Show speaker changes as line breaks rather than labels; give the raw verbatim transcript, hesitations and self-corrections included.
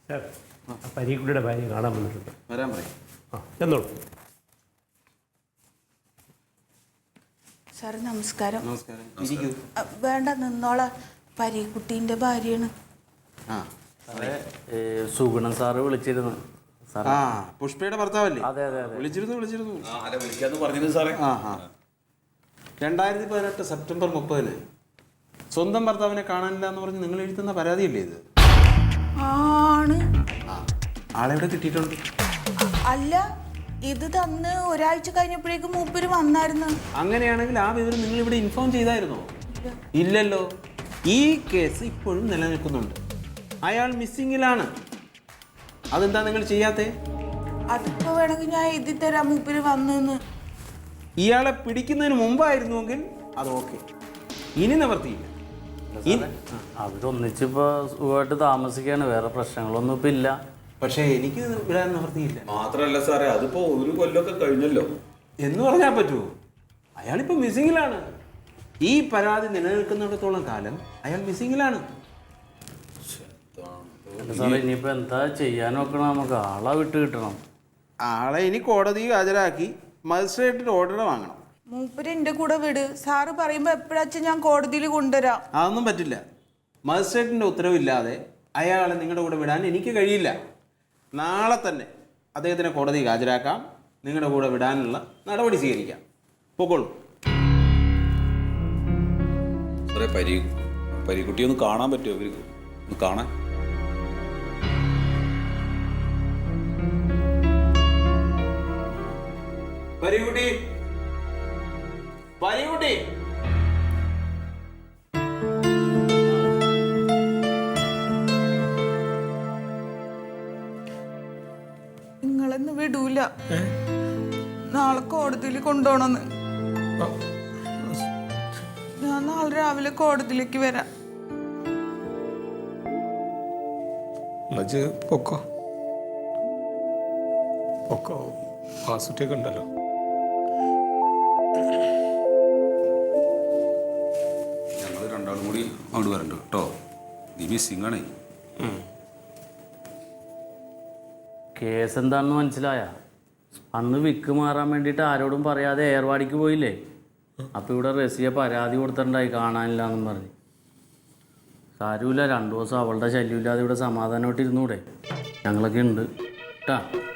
Sir പരീക്കുട്ടിയുടെ ഭാര്യ കാണാൻ വന്നിട്ടുണ്ട്.
വരാൻ പറയും.
ആ എന്നോളൂ.
സാർ നമസ്കാരം.
നമസ്കാരം. ഇരിക്കൂ.
വേണ്ട നിന്നോളാം. പരീക്കുട്ടീൻ്റെ ഭാര്യയാണ്.
ആ
സുഗുണൻ സാറ് വിളിച്ചിരുന്നു.
ആ പുഷ്പയുടെ ഭർത്താവല്ലേ?
അതെ അതെ അതെ
വിളിച്ചിരുന്നു വിളിച്ചിരുന്നു
വിളിക്കാന്ന് പറഞ്ഞിരുന്നു സാറേ.
ആ ആ രണ്ടായിരത്തി പതിനെട്ട് സെപ്റ്റംബർ മുപ്പതിന് സ്വന്തം ഭർത്താവിനെ കാണാനില്ല എന്ന് പറഞ്ഞ് നിങ്ങൾ എഴുതുന്ന പരാതിയല്ലേ ഇത്?
ആണ്.
ആ ആളെവിടെ കിട്ടിയിട്ടുണ്ട്?
അല്ല, ഇത് തന്ന് ഒരാഴ്ച കഴിഞ്ഞപ്പോഴേക്കും മൂപ്പര് വന്നായിരുന്നു.
അങ്ങനെയാണെങ്കിൽ ആ വിവരം നിങ്ങൾ ഇവിടെ ഇൻഫോം ചെയ്തായിരുന്നോ? ഇല്ലല്ലോ. ഈ കേസ് ഇപ്പോഴും നിലനിൽക്കുന്നുണ്ട്. അയാൾ മിസ്സിങ്ങിലാണ്. അതെന്താ നിങ്ങൾ ചെയ്യാത്തേ?
അതിപ്പോ വേണമെങ്കിൽ ഞാൻ എഴുതി തരാം മൂപ്പര് വന്നെന്ന്.
ഇയാളെ പിടിക്കുന്നതിന് മുമ്പായിരുന്നുവെങ്കിൽ അത് ഓക്കെ. ഇനി നിവർത്തിയില്ല.
അവരൊന്നിച്ചിപ്പോ സുഖമായിട്ട് താമസിക്കാണ്, വേറെ പ്രശ്നങ്ങളൊന്നും ഇപ്പൊ ഇല്ല.
പക്ഷേ എനിക്ക് വിടാൻ നിവർത്തിയില്ല.
മാത്രല്ല സാറേ, അതിപ്പോ ഒരു കൊല്ലമൊക്കെ കഴിഞ്ഞല്ലോ
എന്ന് പറഞ്ഞാൽ പറ്റുമോ? അയാളിപ്പോ മിസ്സിങ്ങിലാണ്. ഈ പരാതി നിലനിൽക്കുന്നിടത്തോളം കാലം അയാൾ മിസ്സിങ്ങിലാണ്.
സാറേ ഇനിയിപ്പോ എന്താ ചെയ്യാൻ നോക്കണം? നമുക്ക് ആളെ വിട്ട് കിട്ടണം.
ആളെ ഇനി കോടതിയിൽ ഹാജരാക്കി മജിസ്ട്രേറ്റിന്റെ ഓർഡർ വാങ്ങണം.
മൂപ്പര് എൻ്റെ കൂടെ വിട്. സാറ് പറയുമ്പോ എപ്പോഴാച്ചാ ഞാൻ കോടതിയിൽ കൊണ്ടുവരാം.
അതൊന്നും പറ്റില്ല. മജിസ്ട്രേറ്റിന്റെ ഉത്തരവില്ലാതെ അയാളെ നിങ്ങളുടെ കൂടെ വിടാൻ എനിക്ക് കഴിയില്ല. നാളെ തന്നെ അദ്ദേഹത്തിനെ കോടതിയിൽ ഹാജരാക്കാം. നിങ്ങളുടെ കൂടെ വിടാനുള്ള നടപടി സ്വീകരിക്കാം. പൊക്കോളൂ.
സാറേ, പരി പരിക്കുട്ടി ഒന്ന് കാണാൻ പറ്റുമോ? ഇവർക്ക് ഒന്ന് കാണാൻ.
പരികുട്ടി, പരികുട്ടി.
നിങ്ങളെന്ന് വിടൂല. നാളെ കോടതിയിൽ കൊണ്ടുപോകണമെന്ന്. ഞാൻ നാളെ രാവിലെ കോടതിയിലേക്ക് വരാം.
പൊക്കോ പൊക്കോ വാസുട്ടിയൊക്കെ ഉണ്ടല്ലോ.
ഞങ്ങൾ രണ്ടാളും കൂടി അങ്ങോട്ട് വരണ്ട കേട്ടോ. നീ മിസ്സിംഗ് ആണേ.
കേസ് എന്താണെന്ന് മനസ്സിലായ? അന്ന് വിക്ക് മാറാൻ വേണ്ടിയിട്ട് ആരോടും പറയാതെ ഏർവാടിക്ക് പോയില്ലേ? അപ്പം ഇവിടെ റസിയ പരാതി കൊടുത്തിട്ടുണ്ടായി കാണാനില്ല എന്നും പറഞ്ഞ്. കാര്യമില്ല, രണ്ടു ദിവസം അവളുടെ ശല്യമില്ലാതെ ഇവിടെ സമാധാനമായിട്ട് ഇരുന്നൂടെ? ഞങ്ങളൊക്കെ ഉണ്ട് കേട്ടാ.